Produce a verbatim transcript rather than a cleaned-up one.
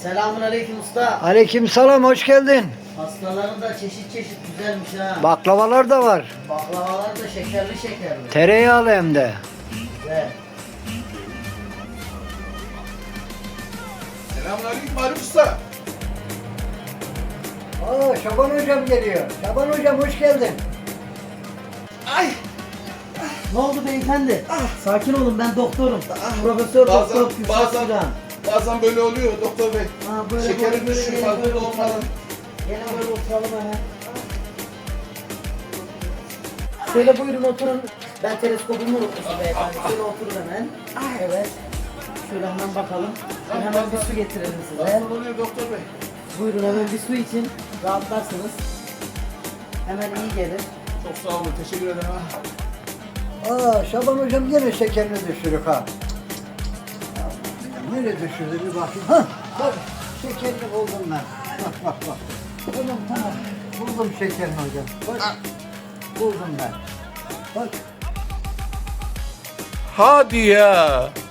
Selamun aleyküm usta. Aleykümselam, hoş geldin. Pastaların da çeşit çeşit güzelmiş ha. Baklavalar da var. Baklavalar da şekerli şekerli. Tereyağlı hem de. Güzel. Selamünaleyküm Arif Usta. Aa, Şaban hocam geliyor. Şaban hocam hoş geldin. Ay. Ne oldu beyefendi? Sakin olun, ben doktorum. Profesör Bazen- Doktor Kürşat bazen- Süren. Bazen böyle oluyor doktor bey. Ha, böyle Şekerim böyle böyle düşüyor, gelin, farkında böyle olmadan. oturalım. Gelin böyle oturalım hemen. Şöyle buyurun oturun. Ben teleskobumu unutmuşum beyefendi. Şöyle oturun hemen. Evet. Şöyle hemen bakalım. Ben hemen bir su getirelim size. Nasıl oluyor doktor bey? Buyurun hemen bir su için rahatlarsınız. Hemen iyi gelir. Çok sağ olun, teşekkür ederim ha. Aa, Şaban hocam yine şekerini düşürük ha. Nereye düşürdü bir bakayım. Hah, bak şekerini buldum ben. Bak bak bak. Tamam tamam. Buldum şekerini hocam. Bak. Buldum ben. Bak. Hadi ya.